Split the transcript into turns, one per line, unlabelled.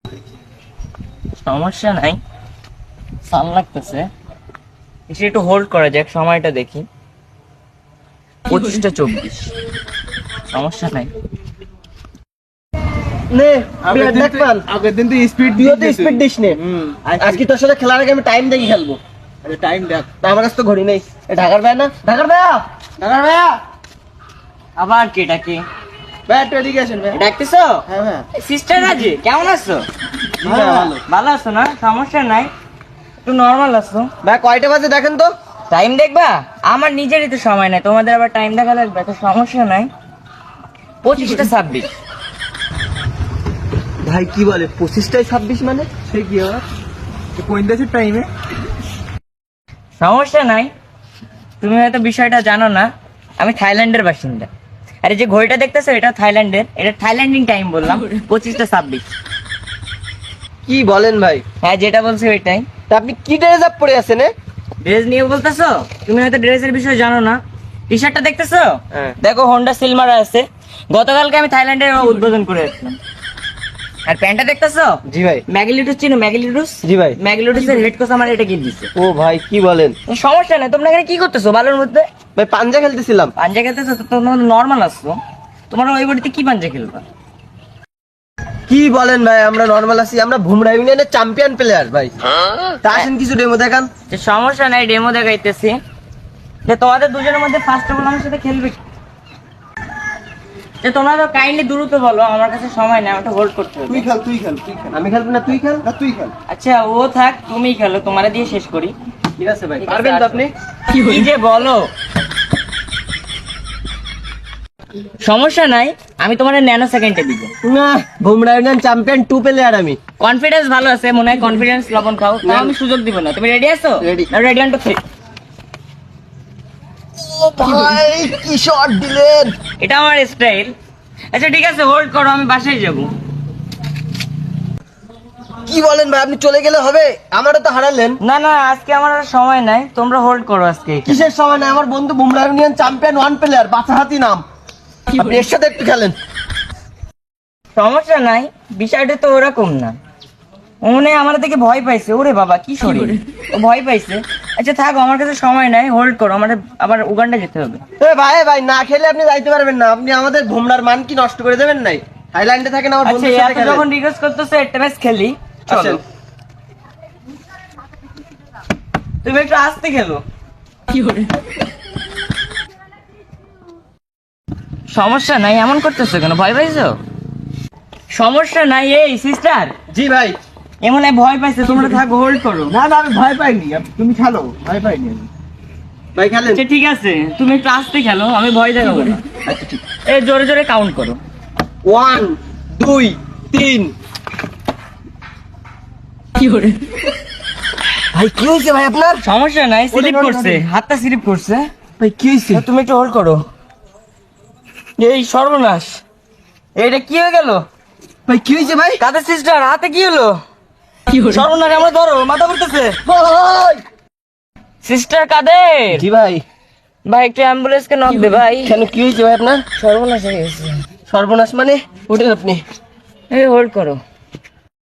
সমস্যা নাই, সাল লাগতেছে, এসে একটু হোল্ড করা যাক, সময়টা দেখি 25:24। সমস্যা নাই।
নে দেখ পান
আগের দিন তো স্পিড
তুইও তো স্পিড দিস নে। আজকে তোর সাথে খেলার আগে আমি টাইম দেখে খেলবো।
আরে টাইম দেখ।
তা আমার কাছে তো ঘড়ি নেই। ঢাকার ভাই না, ঢাকার ভাইয়া
আবার কে ডাকে?
ভাই একটু এদিকে আসেন ভাই।
ডাকতেছো?
হ্যাঁ
সিস্টার রাজি, কেমন আছো?
ভালো।
ভালো আছো না? সমস্যা নাই, একটু নর্মাল আছো।
ভাই কয়টা বাজে দেখেন তো।
টাইম দেখবা? আমার নিজেরই তো সময় নাই, তোমাদের আবার টাইম দেখা লাগবে, তো সমস্যা নাই। 25:26।
ভাই কি বলে 25:26 মানে?
সে কি আবার কোন দেশের টাইমে?
সমস্যা নাই, তুমি হয়তো বিষয়টা জানো না, আমি থাইল্যান্ডের বাসিন্দা। আরে যে ঘড়িটা দেখতেছো এটা থাইল্যান্ডের, এটা থাইল্যান্ডিং টাইম বললাম, 25:26।
কি বলেন ভাই?
হ্যাঁ, যেটা বলছি ওইটাই।
তা আপনি কি ড্রেস আপ পরে আছেন?
ড্রেস নিয়ে বলতেছো? তুমি হয়তো ড্রেসের বিষয় জানো না। টি শার্টটা দেখতেছো?
হ্যাঁ।
দেখো হোন্ডা সিলমারা আছে, গতকালকে আমি থাইল্যান্ডের উদ্বোধন করে আসলাম। আর প্যান্টটা দেখতেছো?
জি ভাই।
ম্যাগলিটুস চিনো? ম্যাগলিটুস?
জি ভাই।
ম্যাগলিটুসের হেড কোচ আমার এটা কিনে দিচ্ছে।
ও ভাই কি বলেন?
সমস্যা নেই, তোমরা এখানে কি করতেছো বালুর মধ্যে?
ভাই পাঞ্জা খেলতেছিলাম।
পাঞ্জা খেলতেছো তো? তোমরা নর্মাল আসছো, তোমরা ওই বডিতে কি পাঞ্জা খেলবা?
কি বলেন ভাই, আমরা নরমাল আছি, আমরা ভুমরা ইউনিয়নের চ্যাম্পিয়ন প্লেয়ার ভাই। তা আসেন কিছু ডেমো দেখান।
যে সমস্যা নাই, ডেমো দেখাইতেছি। যে তোমাদের দুজনের মধ্যে ফার্স্ট অফ অল আমার সাথে খেলবে কি? যে তোমরা তো কাইন্ডলি দ্রুত বলো, আমার কাছে সময় নেই, আমাকে হোল্ড করতে হবে।
তুই খেল।
আমি খেলবো না, তুই খেল।
না তুই খেল।
আচ্ছা ও থাক, তুমি খেলো, তোমারে দিয়ে শেষ করি।
ঠিক আছে ভাই,
ঠিক আছে,
পারবেন তো
আসো।
আপনি?
কি যে বলো, সমস্যা নাই, আমি তোমার ন্যানো সেকেন্ডে দিব।
না, ভুমরা ইউনিয়ন চ্যাম্পিয়ন 2 প্লেয়ার আমি।
কনফিডেন্স ভালো আছে মনে হয়, কনফিডেন্স লবণ খাও, তাও আমি সুযোগ দিব না। তুমি রেডি আছো?
Ready.
Ready on two 3।
ও ভাই কি শট দিলেন!
এটা আমার স্টাইল। আচ্ছা ঠিক আছে, হোল্ড করো, আমি বাসায় যাব।
কি বলেন ভাই, আপনি চলে গেলে হবে? আমারও তো হারালেন।
না না, আজকে আমার আর সময় নাই, তোমরা হোল্ড করো আজকে।
কিসের সময় নাই? আমার বন্ধু ভুমরা ইউনিয়ন চ্যাম্পিয়ন 1 প্লেয়ার, বাছাহাতি নাম। আপনি এর সাথে একটু খেলেন।
সমস্যা নাই, বিষয়টা তো ওরকম না। ও মনে হয় আমার থেকে ভয় পাইছে। ওরে বাবা কি শরীর, ও ভয় পাইছে। আচ্ছা থাকো, আমার কাছে সময় নাই, হোল্ড করো, আমার আবার উগান্ডা যেতে হবে।
এ ভাই না খেলে আপনি যাইতে পারবেন না। আপনি আমাদের ভুমরার মান কি নষ্ট করে দেবেন নাই? থাইল্যান্ডে থাকেন, আমার
আচ্ছা
বন্ধুর সাথে
এত
খেলেন।
যখন রিকোয়েস্ট করতেছো, একটা ম্যাচ খেলি, চলো।
আসেন।
তুমি একটু আস্তে খেলো। সমস্যা নাই, এমন করতেছো কেন? ভয় পাইছো? সমস্যা নাই। এই সিস্টার,
জি ভাই।
এমন ভয় পাইছে, তোমরা থাকো, হোল্ড করো।
না আমি ভয় পাইনি, তুমি খেলো, ভয় পাইনি আমি।
ভাই খেলেন।
আচ্ছা ঠিক আছে, তুমি একটু আস্তে খেলো, আমি ভয় দেখাবো না।
আচ্ছা ঠিক।
এই জোরে জোরে কাউন্ট করো।
1 2 3। ভাই কি হয়েছে ভাই আপনার?
সমস্যা নাই, স্লিপ করছে, হাতটা স্লিপ করছে।
ভাই কি হয়েছে?
তো তুমি একটু হোল্ড করো। এই সর্বনাশ, এটা কি হয়ে গেল?
ভাই কি হয়েছে ভাই?
কাদের সিস্টার, হাতে কি হলো? সর্বনাশ, আমরা ধরো, মাথা ঘুরতেছে।
ভাই
সিস্টার কাদের?
জি ভাই।
ভাই একটু অ্যাম্বুলেন্স কে নক দে ভাই।
কেন কি হয়েছে ভাই আপনার?
সর্বনাশ হয়ে গেছে।
সর্বনাশ মানে? ওঠেন আপনি।
এই হোল্ড করো।